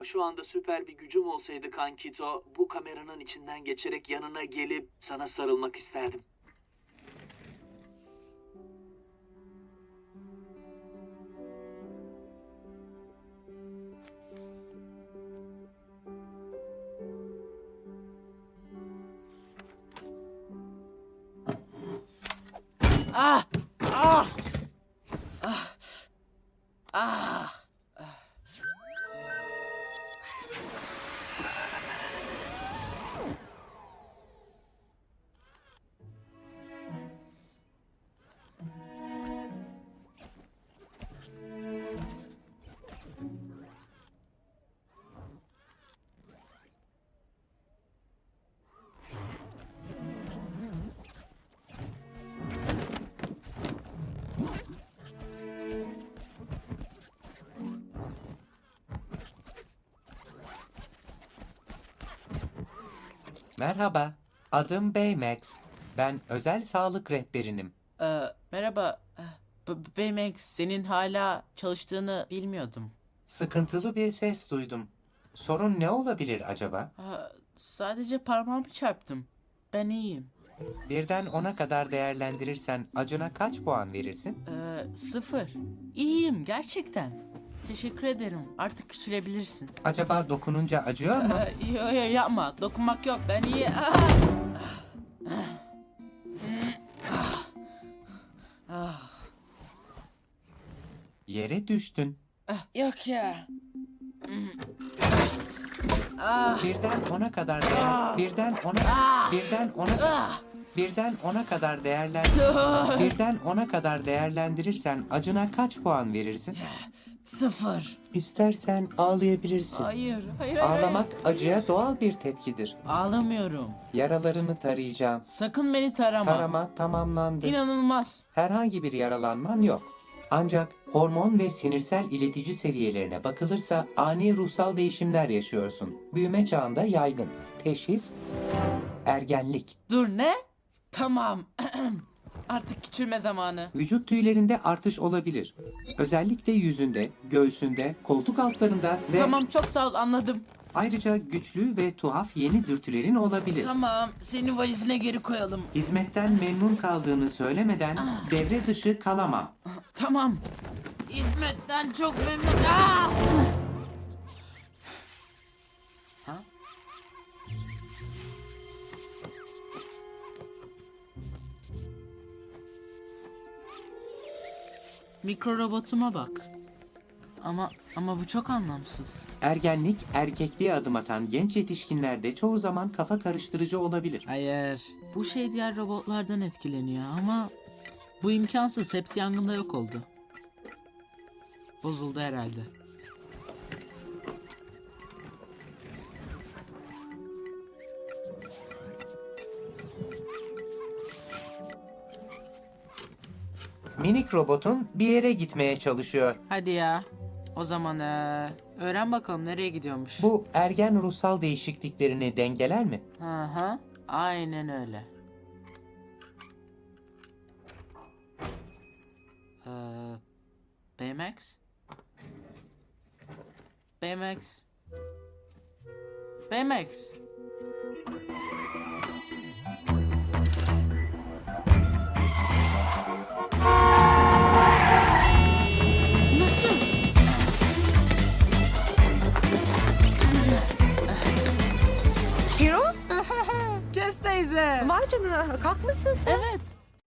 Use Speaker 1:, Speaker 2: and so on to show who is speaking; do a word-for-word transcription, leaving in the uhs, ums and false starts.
Speaker 1: Şu anda süper bir gücüm olsaydı Kankito, bu kameranın içinden geçerek yanına gelip sana sarılmak isterdim.
Speaker 2: Ah! Ah! Ah! Ah!
Speaker 3: Merhaba, adım Baymax. Ben özel sağlık rehberinim.
Speaker 2: Ee, merhaba. B- B- Baymax, senin hala çalıştığını bilmiyordum.
Speaker 3: Sıkıntılı bir ses duydum. Sorun ne olabilir acaba?
Speaker 2: Aa, sadece parmağımı çarptım. Ben iyiyim.
Speaker 3: Birden ona kadar değerlendirirsen acına kaç puan verirsin?
Speaker 2: Ee, sıfır. İyiyim gerçekten. Teşekkür ederim. Artık küçülebilirsin.
Speaker 3: Acaba dokununca acıyor mu?
Speaker 2: Ee, yo, yo, yapma. Dokunmak yok. Ben iyi. Ah! Ah! Ah!
Speaker 3: Yere düştün.
Speaker 2: Ah, yok ya. Ah!
Speaker 3: Birden ona kadar değer,
Speaker 2: Ah!
Speaker 3: birden ona,
Speaker 2: Ah!
Speaker 3: birden ona,
Speaker 2: Ah!
Speaker 3: birden ona kadar değerlen,
Speaker 2: Ah!
Speaker 3: birden ona kadar değerlendirirsen acına kaç puan verirsin?
Speaker 2: Sıfır.
Speaker 3: İstersen ağlayabilirsin.
Speaker 2: Hayır, hayır, hayır.
Speaker 3: Ağlamak acıya doğal bir tepkidir.
Speaker 2: Ağlamıyorum.
Speaker 3: Yaralarını tarayacağım.
Speaker 2: Sakın beni tarama.
Speaker 3: Tarama tamamlandı.
Speaker 2: İnanılmaz.
Speaker 3: Herhangi bir yaralanman yok. Ancak hormon ve sinirsel iletici seviyelerine bakılırsa ani ruhsal değişimler yaşıyorsun. Büyüme çağında yaygın. Teşhis ergenlik.
Speaker 2: Dur ne? Tamam. Artık küçülme zamanı.
Speaker 3: Vücut tüylerinde artış olabilir. Özellikle yüzünde, göğsünde, koltuk altlarında ve
Speaker 2: Tamam, çok sağ ol, anladım.
Speaker 3: ayrıca güçlü ve tuhaf yeni dürtülerin olabilir.
Speaker 2: Tamam, seni valizine geri koyalım.
Speaker 3: Hizmetten memnun kaldığını söylemeden devre dışı kalamam.
Speaker 2: Tamam. Hizmetten çok memnun. Aa! Ha? Mikro robotuma bak. Ama ama bu çok anlamsız.
Speaker 3: Ergenlik, erkekliğe adım atan genç yetişkinlerde çoğu zaman kafa karıştırıcı olabilir.
Speaker 2: Hayır. Bu şey diğer robotlardan etkileniyor ama bu imkansız. Hepsi yangında yok oldu. Bozuldu herhalde.
Speaker 3: Minik robotun bir yere gitmeye çalışıyor.
Speaker 2: Hadi ya. O zaman eee, öğren bakalım nereye gidiyormuş.
Speaker 3: Bu ergen ruhsal değişikliklerini dengeler mi?
Speaker 2: Hı hı. Aynen öyle. Ee, Baymax? Baymax? Baymax? Nasıl?
Speaker 4: Hiro?
Speaker 2: Kes teyze.
Speaker 4: Vay canına kalkmışsın sen.
Speaker 2: Evet.